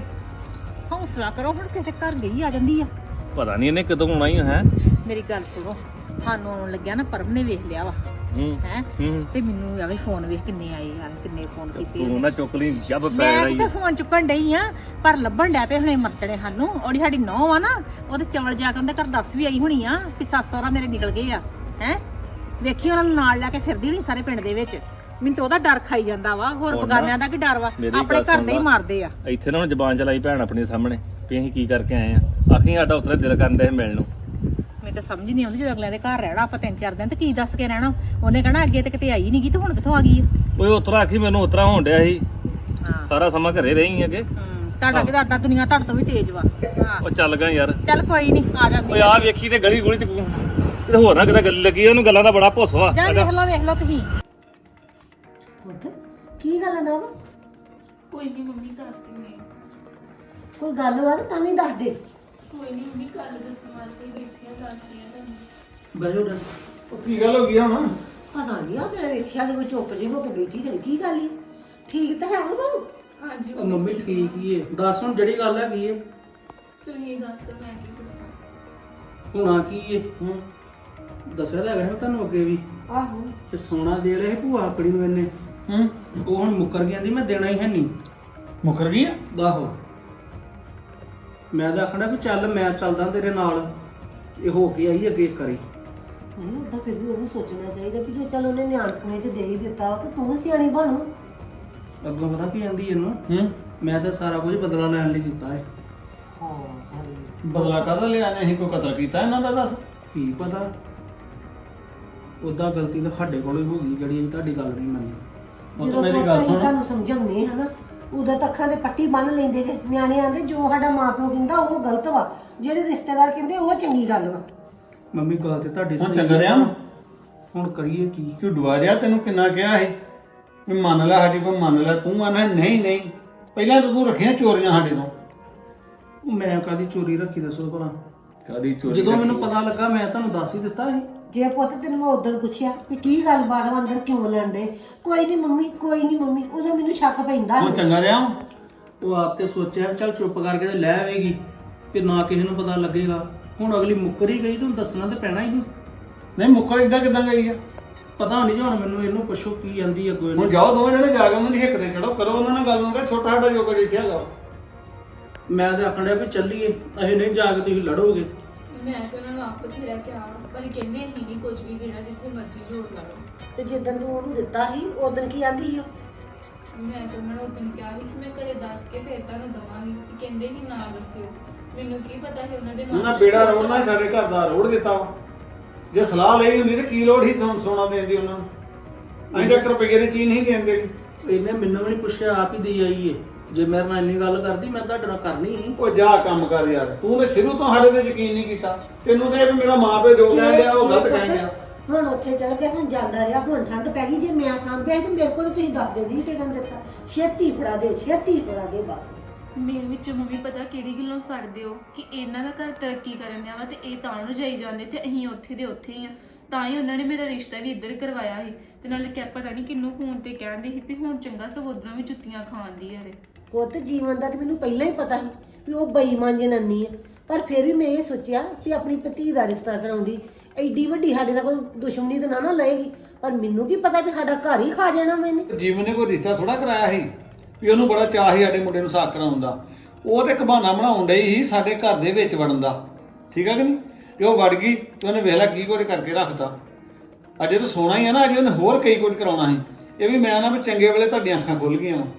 E: ਹੌਸਲਾ ਕਰੋ ਹੁਣ, ਕਿਤੇ ਘਰ ਗਈ ਆ ਜਾਂਦੀ ਆ।
D: ਪਤਾ ਨਹੀਂ ਇਹਨੇ ਕਦੋਂ ਆਉਣਾ ਹੀ ਹੈ।
E: ਮੇਰੀ ਗੱਲ ਸੁਣੋ, ਸਾਨੂੰ ਆਉਣ ਲੱਗਿਆ ਨਾ ਪਰਮ ਨੇ ਵੇਖ ਲਿਆ ਵਾ
D: ਹੂੰ
E: ਹੈ।
D: ਹੂੰ
E: ਤੇ ਮੈਨੂੰ ਆਵੇ ਫੋਨ ਵੇਖ ਕਿੰਨੇ ਆਏ ਯਾਰ, ਕਿੰਨੇ ਫੋਨ ਕੀਤੇ
D: ਤੂੰ ਨਾ ਚੁੱਕ ਲਈ ਜੱਬ ਪੈ
E: ਮੈਂ
D: ਰਹੀ
E: ਤੇ ਫੋਨ ਚੁੱਕਣ ਡਈ ਆ, ਪਰ ਲੱਭਣ ਡੈ ਪਏ ਹੁਣੇ ਮਰਚੜੇ ਸਾਨੂੰ। ਉਹਦੀ ਸਾਡੀ ਨੌਂ ਆ ਨਾ, ਉਹਦੇ ਚਵਲ ਜਾ ਕੇ ਉਹਦੇ ਘਰ ਦੱਸ ਵੀ ਆਈ ਹੋਣੀ ਆ ਵੀ ਸੱਸ ਸਹੁਰਾ ਮੇਰੇ ਨਿਕਲ ਗਏ ਆ ਹੈ। ਵੇਖੀ ਉਹਨਾਂ ਨੂੰ ਨਾਲ ਲੈ ਕੇ ਫਿਰਦੀ ਹੋਣੀ ਸਾਰੇ ਪਿੰਡ ਦੇ ਵਿੱਚ। ਮੈਨੂੰ ਤਾਂ ਉਹਦਾ ਡਰ ਖਾਈ ਜਾਂਦਾ ਵਾ। ਹੋਰ
D: ਹੁਣ ਨਾ,
E: ਬਗਾਨਿਆਂ ਦਾ ਕੀ ਡਰ ਵਾ?
D: ਮੇਰੀ
E: ਆਪਣੇ
D: ਗੱਲ
E: ਘਰ
D: ਸੁਣ
E: ਦੇ ਹੀ
D: ਲਾ।
E: ਮਾਰਦੇ ਆ।
D: ਇੱਥੇ ਨਾ ਹੁਣ ਜ਼ਬਾਨ ਚਲਾਈ ਭੈਣ ਆਪਣੀ ਸਾਹਮਣੇ ਵੀ ਅਸੀਂ ਕੀ ਕਰਕੇ ਆਏ ਆ। ਆਖੀ ਸਾਡਾ ਉਤਰੇ ਦਿਲ ਕਰਨ ਦੇ ਮਿਲਣ ਨੂੰ।
E: ਮੈਨੂੰ ਤਾਂ ਸਮਝ ਨਹੀਂ ਆਉਂਦੀ ਜਦੋਂ ਅਗਲਿਆਂ ਦੇ ਘਰ ਰਹਿਣਾ ਆਪਾਂ ਤਿੰਨ ਚਾਰ ਦਿਨ ਤੇ ਕੀ ਦੱਸ ਕੇ ਰਹਿਣਾ। ਉਹਨੇ ਕਹਿਣਾ ਅੱਗੇ ਤੇ ਕਿਤੇ ਆਈ ਨਹੀਂ ਗਈ ਤੇ ਹੁਣ ਕਿੱਥੋਂ ਆ ਗਈ ਆ?
D: ਓਏ ਉਤਰਾ ਆਖੀ ਮੈਨੂੰ ਉਤਰਾ ਹੋਣ ਡਿਆ ਸੀ।
E: ਹਾਂ
D: ਸਾਰਾ ਸਮਾਂ ਘਰੇ ਰਹੀ ਅੱਗੇ।
E: ਹੂੰ, ਤੁਹਾਡਾ ਕਿਹਦਾ ਅੱਡਾ ਦੁਨੀਆ ਤੁਹਾਡੇ ਤੋਂ ਵੀ ਤੇਜ਼ ਵਾ। ਹਾਂ
D: ਉਹ ਚੱਲ ਗਾ ਯਾਰ।
E: ਚੱਲ ਕੋਈ ਨਹੀਂ, ਆ ਜਾਂਦੀ
D: ਓਏ ਆ ਵੇਖੀ ਤੇ ਗਲੀ ਗੁਲੀ ਚ ਕਿਤੇ ਹੋਰ ਨਾ ਕਿਤੇ ਗੱਲ ਲੱਗੀ। ਉਹਨੂੰ ਗੱਲਾਂ ਦਾ ਬੜਾ ਭੁੱਸ ਵਾ।
E: ਜਾ ਵੇਖ ਲਓ ਵੇਖ ਲਓ ਤੁਸੀਂ।
C: ਪੁੱਤ ਕੀ ਗੱਲ ਹੈ ਨਾ?
A: ਕੋਈ ਨਹੀਂ ਮੰਮੀ, ਦੱਸ ਦਿੰਦੀ ਹਾਂ।
C: ਕੋਈ ਗੱਲ ਵਾ ਤਾਂ ਵੀ ਦੱਸ ਦੇ।
A: ਕੋਈ ਨਹੀਂ ਮੰਮੀ, ਕੱਲ ਦੱਸਣ ਵਾਸਤੇ ਹੀ ਬੈਠੀ ਆ, ਦੱਸਦੀ ਆ ਤੁਹਾਨੂੰ।
B: ਬੈਠੋ ਡਰ।
D: ਉਹ ਕੀ ਗੱਲ ਹੋ ਗਈ ਹੁਣ?
C: ਪਤਾ ਨਹੀਂ ਆ, ਮੈਂ ਵੇਖਿਆ ਤੇ ਮੈਂ ਚੁੱਪ ਜਿਹੀ ਹੋ ਕੇ ਬੈਠੀ ਤੇ ਕੀ ਗੱਲ ਈ? ਠੀਕ ਤਾਂ ਹੈ ਉਹ ਬਾਊ?
A: ਹਾਂਜੀ
B: ਉਹ ਮੰਮੀ ਠੀਕ ਹੀ ਏ। ਦੱਸ ਹੁਣ ਜਿਹੜੀ ਗੱਲ ਹੈਗੀ ਏ।
A: ਤੁਸੀਂ ਦੱਸ ਦਿਓ, ਮੈਂ ਕੀ ਦੱਸਾਂ।
B: ਹੋਣਾ ਕੀ ਏ? ਹੂੰ ਦੱਸਿਆ ਤਾਂ ਹੈਗਾ ਸੀ ਤੁਹਾਨੂੰ ਅੱਗੇ ਵੀ
C: ਆਹੋ
B: ਤੇ ਸੋਨਾ ਦੇ ਰਿਹਾ ਸੀ ਭੂਆ ਆਪਣੀ ਨੂੰ ਇਹਨੇ।
D: ਹੂੰ
B: ਉਹ ਹੁਣ ਮੁੱਕਰ ਗਿਆ ਦੀ ਮੈਂ ਦੇਣਾ ਹੀ ਹੈ ਨਹੀਂ।
D: ਮੁੱਕਰ ਗਈ ਆ?
B: ਆਹੋ ਮੈਂ ਤਾਂ ਆਖਣਾ ਵੀ ਚੱਲ ਮੈਂ ਚੱਲਦਾ ਤੇਰੇ ਨਾਲ। ਇਹ ਹੋ ਕੇ ਆਈ ਅੱਗੇ ਇੱਕ ਵਾਰੀ।
C: ਨਹੀਂ ਉਦਾਂ ਫਿਰ ਵੀ ਉਹਨੂੰ ਸੋਚਣਾ ਚਾਹੀਦਾ ਵੀ ਜੇ ਚੱਲ ਉਹਨੇ ਨਿਆਣਪੁਣੇ 'ਚ ਦੇ ਹੀ ਦਿੱਤਾ ਤਾਂ ਤੂੰ ਸਿਆਣੀ ਬਣ।
B: ਅੱਗੋਂ ਪਤਾ ਕੀ ਕਹਿੰਦੀ ਇਹਨੂੰ?
D: ਹੂੰ
B: ਮੈਂ ਤਾਂ ਸਾਰਾ ਕੁਝ ਬਦਲਾ ਲੈਣ ਲਈ ਕੀਤਾ ਏ।
C: ਹਾਂ
D: ਬਦਲਾ ਕਾਹਦਾ ਲਿਆ ਨੇ? ਅਸੀਂ ਕੋਈ ਕਤਲ ਕੀਤਾ ਇਹਨਾਂ ਦਾ? ਦੱਸ।
B: ਕੀ ਪਤਾ, ਉਦਾਂ ਗਲਤੀ ਤਾਂ ਸਾਡੇ ਕੋਲ ਹੀ ਹੋ ਗਈ ਜਿਹੜੀ ਅਸੀਂ ਤੁਹਾਡੀ ਗੱਲ ਨਹੀਂ ਮੰਨੀ।
D: ਉਹ
C: ਜਦੋਂ
D: ਤਾਂ ਮੇਰੀ
C: ਪੁੱਤ
D: ਗੱਲ
C: ਅਸੀਂ
D: ਸੁਣ।
C: ਤੁਹਾਨੂੰ ਸਮਝਾਉਂਦੇ ਹਨਾ, ਉਦੋਂ ਤਾਂ ਅੱਖਾਂ ਦੇ ਪੱਟੀ ਬੰਨ ਲੈਂਦੇ ਜੇ। ਨਿਆਣੇ ਆਂਦੇ ਜੋ ਸਾਡਾ ਮਾਪਿਓ ਕਹਿੰਦਾ ਉਹ ਗਲਤ ਵਾ, ਜਿਹੜੇ ਰਿਸ਼ਤੇਦਾਰ ਕਹਿੰਦੇ ਉਹ ਚੰਗੀ ਗੱਲ ਵਾ।
B: ਮੰਮੀ ਗੱਲ ਤੇ ਤੁਹਾਡੀ
D: ਹੁਣ
B: ਸਹੀ
D: ਚੰਗਾ
B: ਆ।
D: ਰਿਹਾ ਵਾਂ?
B: ਹੁਣ ਕਰੀਏ ਕੀ?
D: ਝੁੱਡਵਾ ਰਿਹਾ ਤੈਨੂੰ ਕਿੰਨਾ ਕਿਹਾ ਸੀ ਵੀ ਮੰਨ ਲੈ ਸਾਡੀ ਕੋ ਮੰਨ ਲੈ। ਤੂੰ ਆਨਾ ਨਹੀਂ ਨਹੀਂ। ਪਹਿਲਾਂ ਤਾਂ ਤੂੰ ਰੱਖੀਆਂ ਚੋਰੀਆਂ ਸਾਡੇ ਤੋਂ।
B: ਉਹ ਮੈਂ ਕਾਦੀ ਚੋਰੀ ਰੱਖੀ ਦੱਸੋ ਭਲਾ?
D: ਕਾਦੀ ਚੋਰੀ?
B: ਜਦੋਂ ਮੈਨੂੰ ਪਤਾ ਲੱਗਾ ਮੈਂ ਤੁਹਾਨੂੰ ਦੱਸ ਹੀ ਦਿੱਤਾ ਸੀ।
C: ਜੇ ਪੁੱਤ ਤੈਨੂੰ ਮੈਂ ਉਦੋਂ ਪੁੱਛਿਆ ਵੀ ਕੀ ਗੱਲ ਬਾਤ ਵਾ, ਅੰਦਰ ਕਿਉਂ ਲੈਂਦੇ? ਕੋਈ ਨਹੀਂ ਮੰਮੀ, ਕੋਈ ਨਹੀਂ ਮੰਮੀ। ਉਦੋਂ ਮੈਨੂੰ ਸ਼ੱਕ ਪੈਂਦਾ
D: ਹੁਣ ਚੰਗਾ ਰਿਹਾ ਵਾਂ?
B: ਉਹ ਆਪ ਤੇ ਸੋਚਿਆ ਵੀ ਚੱਲ ਚੁੱਪ ਕਰਕੇ ਤੇ ਲੈ ਆਵੇਗੀ ਤੇ ਨਾ ਕਿਸੇ ਨੂੰ ਪਤਾ ਲੱਗੇਗਾ। ਹੁਣ ਅਗਲੀ ਮੁੱਕਰ ਹੀ ਗਈ, ਤੁਹਾਨੂੰ ਦੱਸਣਾ ਤੇ ਪੈਣਾ ਹੀ।
D: ਨਹੀਂ ਮੁੱਕਰ ਇਦਾਂ ਕਿਦਾਂ ਗਈ ਆ?
B: ਪਤਾ ਨਹੀਂ ਹੁਣ ਮੈਨੂੰ। ਇਹਨੂੰ ਪੁੱਛੋ ਕੀ ਜਾਂਦੀ ਅੱਗੋਂ
D: ਹੁਣ
B: ਇਹਨੂੰ।
D: ਜਾਓ ਦੋਵੇਂ ਜਣੇ ਜਾ ਕੇ ਉਹਨਾਂ ਦੀ ਹਿੱਕ ਤੇ ਚੜੋ, ਕਰੋ ਉਹਨਾਂ ਨਾਲ ਗੱਲ ਨੂੰ ਕਿ ਛੋਟਾ ਸਾਡਾ ਜੋਗਾ ਜਿੱਥੇ ਹੈਗਾ।
B: ਮੈਂ ਤੇ ਆਖਣ ਡਿਆ ਵੀ ਚੱਲੀਏ, ਅਸੀਂ ਨਹੀਂ ਜਾ ਕੇ ਤੁਸੀਂ ਲੜੋਗੇ।
A: ਮੈਂ ਤਾਂ ਉਹਨਾਂ ਨੂੰ ਆਪ ਬਥੇਰਾ ਕਿਹਾ, ਪਰ ਕਹਿੰਦੇ ਅਸੀਂ ਨਹੀਂ ਕੁਝ ਵੀ ਦੇਣਾ, ਜਿੱਥੇ ਮਰਜ਼ੀ ਜ਼ੋਰ ਲਾ ਲਓ।
C: ਤੇ ਜਿੱਦਣ ਤੂੰ ਉਹਨੂੰ ਦਿੱਤਾ ਸੀ ਉਦੋਂ ਕੀ ਆਂਦੀ ਸੀ ਉਹ?
A: ਮੈਂ ਤਾਂ ਉਹਨਾਂ ਨੂੰ ਉਦੋਂ ਕਿਹਾ ਸੀ ਕਿ ਮੈਂ ਘਰੇ ਦੱਸ ਕੇ ਫਿਰ ਤੁਹਾਨੂੰ ਦਵਾਂਗੀ, ਤੇ ਕਹਿੰਦੇ ਸੀ ਨਾ ਦੱਸਿਓ। ਮੈਨੂੰ ਕੀ ਪਤਾ ਸੀ ਉਹਨਾਂ ਦੇ ਮਨ
D: ਉਹਨਾਂ
A: ਚ
D: ਬੇੜਾ
A: ਕੀ
D: ਰੋੜਨਾ
A: ਪਤਾ।
D: ਸਾਡੇ ਘਰ ਦਾ ਰੋੜ ਦਿੱਤਾ ਵਾ। ਜੇ ਸਲਾਹ ਲਈ ਹੁੰਦੀ ਤੇ ਕੀ ਲੋੜ ਸੀ ਸੋਨਾ ਦੇਣ ਦੀ ਉਹਨਾਂ ਨੂੰ? ਅਸੀਂ ਤਾਂ ਇੱਕ ਰੁਪਈਏ ਦੀ ਚੀਜ਼ ਨਹੀਂ ਦੇਣ ਦੇਣੀ।
B: ਇਹਨੇ ਮੈਨੂੰ ਵੀ ਨਹੀਂ ਪੁੱਛਿਆ, ਆਪ ਹੀ ਦੇ ਆਈ ਏ। ਜੇ ਮੇਰੇ ਨਾਲ ਇੰਨੀ ਗੱਲ ਕਰਦੀ ਮੈਂ ਤੁਹਾਡੇ ਨਾਲ ਕਰਨੀ ਸੀ।
D: ਉਹ ਜਾ ਕੰਮ ਕਰ ਯਾਰ, ਤੂੰ ਤੇ ਸ਼ੁਰੂ ਤੋਂ ਸਾਡੇ ਤੇ ਯਕੀਨ ਨਹੀਂ ਕੀਤਾ। ਤੈਨੂੰ ਤੇ ਇਹ ਵੀ ਮੇਰਾ ਮਾਂ ਪਿਓ ਜੋ ਕਹਿ ਲਿਆ ਉਹ ਗਲਤ ਕਹਿ ਗਿਆ।
C: ਹੁਣ ਉੱਥੇ ਚਲ ਗਿਆ, ਹੁਣ ਜਾਂਦਾ ਰਿਹਾ, ਹੁਣ ਠੰਡ ਪੈ ਗਈ। ਜੇ ਮੈਂ ਸਾਂਭਿਆ ਸੀ ਤੇ ਮੇਰੇ ਕੋਲ ਤੁਸੀਂ ਦੱਸ ਦੇ ਨਹੀਂ ਟਿਕਣ ਦਿੱਤਾ। ਛੇਤੀ ਫੜਾ ਦੇ, ਛੇਤੀ ਫੜਾ ਦੇ ਬਸ।
A: ਮੇਰੇ ਵਿੱਚ ਮੰਮੀ ਪਤਾ ਕਿਹੜੀ ਗੱਲੋਂ ਸੜਦੇ ਹੋ ਕਿ ਇਹਨਾਂ ਦਾ ਘਰ ਤਰੱਕੀ ਕਰਨ ਦਿਆ ਵਾ ਤੇ ਇਹ ਤਾਂ ਨੂੰ ਜਾਈ ਜਾਂਦੇ ਤੇ ਅਸੀਂ ਉੱਥੇ ਦੇ ਉੱਥੇ ਹੀ ਆ। ਤਾਂ ਹੀ ਉਹਨਾਂ ਨੇ ਮੇਰਾ ਰਿਸ਼ਤਾ ਵੀ ਇੱਧਰ ਕਰਵਾਇਆ ਸੀ ਤੇ ਨਾਲੇ ਕਿਆ ਪਤਾ ਨਹੀਂ ਕਿੰਨੂੰ ਫੋਨ ਤੇ ਕਹਿੰਦੇ ਸੀ ਵੀ ਹੁਣ ਚੰਗਾ ਸਗੋਦਰਾਂ ਵੀ ਜੁੱਤੀਆਂ ਖਾਂਦੀ ਆ ਰੇ।
C: ਪੁੱਤ ਜੀਵਨ ਦਾ ਤੇ ਮੈਨੂੰ ਪਹਿਲਾਂ ਹੀ ਪਤਾ ਸੀ ਵੀ ਉਹ ਬੇਈਮਾਨ ਜਨਾਨੀ ਹੈ, ਪਰ ਫਿਰ ਵੀ ਮੈਂ ਇਹ ਸੋਚਿਆ ਵੀ ਆਪਣੀ ਭਤੀ ਦਾ ਰਿਸ਼ਤਾ ਕਰਾਉਂਦੀ ਐਡੀ ਵੱਡੀ ਸਾਡੇ ਨਾਲ ਕੋਈ ਦੁਸ਼ਮਣੀ ਤਾਂ ਨਾ ਨਾ ਲਏਗੀ। ਪਰ ਮੈਨੂੰ ਕੀ ਪਤਾ ਵੀ ਸਾਡਾ ਘਰ ਹੀ ਖਾ ਜਾਣਾ ਮੈਨੇ।
D: ਜੀਵਨ ਨੇ ਕੋਈ ਰਿਸ਼ਤਾ ਥੋੜਾ ਕਰਾਇਆ ਸੀ ਵੀ ਉਹਨੂੰ ਬੜਾ ਚਾਅ ਸੀ ਸਾਡੇ ਮੁੰਡੇ ਨੂੰ ਸਾਕ ਕਰਾਉਣ ਦਾ। ਉਹ ਤੇ ਇੱਕ ਬਹਾਨਾ ਬਣਾਉਣ ਡਈ ਸੀ ਸਾਡੇ ਘਰ ਦੇ ਵਿੱਚ ਵੜਨ ਦਾ, ਠੀਕ ਆ ਕਿ ਨਹੀਂ? ਤੇ ਉਹ ਵੜ ਗਈ ਤੇ ਉਹਨੇ ਵੇਖ ਲਿਆ ਕੀ ਕੁਝ ਕਰਕੇ ਰੱਖਤਾ। ਅਜੇ ਤਾਂ ਸੋਣਾ ਹੀ ਆ ਨਾ, ਅਜੇ ਉਹਨੇ ਹੋਰ ਕਈ ਕੁਝ ਕਰਾਉਣਾ ਸੀ। ਇਹ ਵੀ ਮੈਂ ਨਾ ਵੀ ਚੰਗੇ ਵੇਲੇ ਤੁਹਾਡੀਆਂ ਅੱਖਾਂ ਖੁੱਲ ਗਈਆਂ ਵਾ।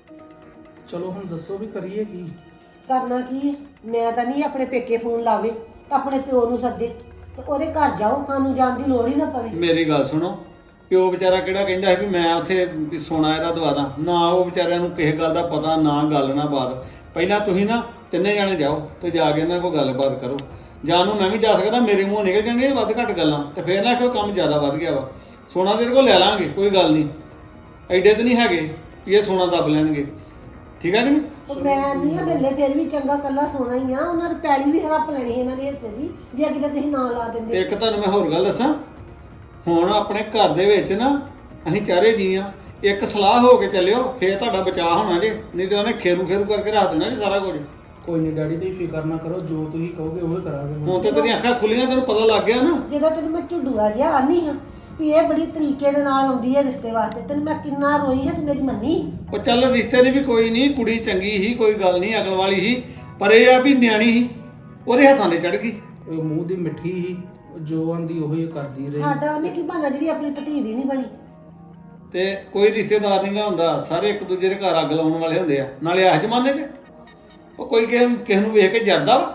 B: ਚਲੋ ਹੁਣ ਦੱਸੋ ਵੀ ਕਰੀਏ ਕੀ?
C: ਕਰਨਾ ਕੀ ਹੈ? ਮੈਂ ਤਾਂ ਨਹੀਂ ਆਪਣੇ ਪੇਕੇ ਫੋਨ ਲਾਵੇ, ਆਪਣੇ ਪਿਓ ਨੂੰ ਸੱਦੇ ਤੇ ਉਹਦੇ ਘਰ ਜਾਓ, ਸਾਨੂੰ ਜਾਣ ਦੀ ਲੋੜ ਹੀ ਨਾ ਪਵੇ।
D: ਮੇਰੀ ਗੱਲ ਸੁਣੋ, ਪਿਓ ਵਿਚਾਰਾ ਕਿਹੜਾ ਕਹਿੰਦਾ ਸੀ ਵੀ ਮੈਂ ਉੱਥੇ ਵੀ ਸੋਨਾ ਇਹਦਾ ਦਵਾ ਦਾਂ ਨਾ। ਉਹ ਵਿਚਾਰਿਆਂ ਨੂੰ ਕਿਸੇ ਗੱਲ ਦਾ ਪਤਾ ਨਾ, ਗੱਲ ਨਾ ਬਾਤ। ਪਹਿਲਾਂ ਤੁਸੀਂ ਨਾ ਤਿੰਨੇ ਜਾਣੇ ਜਾਓ ਤੇ ਜਾ ਕੇ ਇਹਨਾਂ ਕੋਲ ਗੱਲਬਾਤ ਕਰੋ। ਜਾਂ ਨੂੰ ਮੈਂ ਵੀ ਜਾ ਸਕਦਾ, ਮੇਰੇ ਮੂੰਹ ਨਿਕਲ ਜਾਣਗੇ ਵੱਧ ਘੱਟ ਗੱਲਾਂ ਤੇ ਫੇਰ ਨਾ ਕਿਉਂ ਕੰਮ ਜ਼ਿਆਦਾ ਵੱਧ ਗਿਆ ਵਾ। ਸੋਨਾ ਤੇਰੇ ਕੋਲ ਲੈ ਲਾਂਗੇ, ਕੋਈ ਗੱਲ ਨਹੀਂ, ਐਡੇ ਤੇ ਨਹੀਂ ਹੈਗੇ ਵੀ ਇਹ ਸੋਨਾ ਦੱਬ ਲੈਣਗੇ, ਠੀਕ ਹੈ ਕਿ ਨਹੀਂ?
C: ਉਹ ਮੈਂ ਨਹੀਂ ਆ ਮਿਲੇ, ਫਿਰ ਵੀ ਚੰਗਾ ਕੱਲਾ ਸੋਨਾ ਹੀ ਆ। ਉਹਨਾਂ ਦੀ ਪੈਲੀ ਵੀ ਹੜੱਪ ਲੈਣੀ ਇਹਨਾਂ ਦੇ ਹਿੱਸੇ ਦੀ ਜੇ ਕਿਤੇ ਤੁਸੀਂ ਨਾਂ ਲਾ
D: ਤੇ
C: ਦਿੰਦੇ।
D: ਇੱਕ ਤੁਹਾਨੂੰ ਮੈਂ ਹੋਰ ਗੱਲ ਦੱਸਾਂ, ਹੁਣ ਆਪਣੇ ਘਰ ਦੇ ਵਿੱਚ ਨਾ ਅਸੀਂ ਚਾਰੇ ਜੀ ਆ, ਇੱਕ ਸਲਾਹ ਹੋ ਕੇ ਚੱਲਿਓ, ਫੇਰ ਤੁਹਾਡਾ ਬਚਾਅ ਹੋਣਾ ਜੇ। ਨਹੀਂ ਤੇ ਉਹਨੇ ਖੇਰੂ ਖੇਰੂ ਕਰਕੇ ਰੱਖ ਦੇਣਾ ਜੀ ਸਾਰਾ ਕੁਝ।
B: ਕੋਈ ਨਹੀਂ ਡੈਡੀ, ਤੁਸੀਂ ਫਿਕਰ ਨਾ ਕਰੋ, ਜੋ ਤੁਸੀਂ ਕਹੋਗੇ ਉਹ ਕਰਾਂਗੇ।
D: ਹੁਣ ਤੇ ਤੇਰੀਆਂ ਅੱਖਾਂ ਖੁੱਲੀਆਂ, ਤੈਨੂੰ ਪਤਾ ਲੱਗ ਗਿਆ ਨਾ।
C: ਜਦੋਂ ਤੈਨੂੰ ਮੈਂ ਝੁੱਡੂਆ ਜਿਹਾ ਆਨੀ ਹਾਂ ਵੀ ਇਹ ਬੜੀ ਤਰੀਕੇ ਦੇ ਨਾਲ ਆਉਂਦੀ ਹੈ ਰਿਸ਼ਤੇ ਵਾਸਤੇ, ਤੈਨੂੰ ਮੈਂ ਕਿੰਨਾ ਰੋਈ ਹੈ, ਤੂੰ ਮੇਰੀ ਮੰਨੀ।
D: ਉਹ ਚੱਲ ਰਿਸ਼ਤੇ ਦੀ ਵੀ ਕੋਈ ਨਹੀਂ, ਕੁੜੀ ਚੰਗੀ ਸੀ, ਕੋਈ ਗੱਲ ਨਹੀਂ, ਅਕਲ ਵਾਲੀ ਸੀ, ਪਰ ਇਹ ਆ ਵੀ ਨਿਆਣੀ ਸੀ, ਉਹਦੇ ਹੱਥਾਂ ਤੇ ਚੜ ਗਈ।
B: ਉਹ ਮੂੰਹ ਦੀ ਮਿੱਠੀ ਸੀ, ਜੋ ਆਂਦੀ ਉਹੀ ਕਰਦੀ ਰਹੀ।
C: ਸਾਡਾ ਉਹਨੇ ਕੀ ਬਹਾਨਾ ਜਿਹੜੀ ਆਪਣੀ ਭਤੀ ਦੀ ਨਹੀਂ ਬਣੀ।
D: ਤੇ ਕੋਈ ਰਿਸ਼ਤੇਦਾਰ ਨਹੀਂ ਗਾ ਹੁੰਦਾ, ਸਾਰੇ ਇੱਕ ਦੂਜੇ ਦੇ ਘਰ ਅੱਗ ਲਾਉਣ ਵਾਲੇ ਹੁੰਦੇ ਆ। ਨਾਲੇ ਇਸ ਜ਼ਮਾਨੇ 'ਚ ਉਹ ਕੋਈ ਕਿਸੇ ਨੂੰ ਕਿਸੇ ਨੂੰ ਵੇਖ ਕੇ ਜਰਦਾ ਵਾ।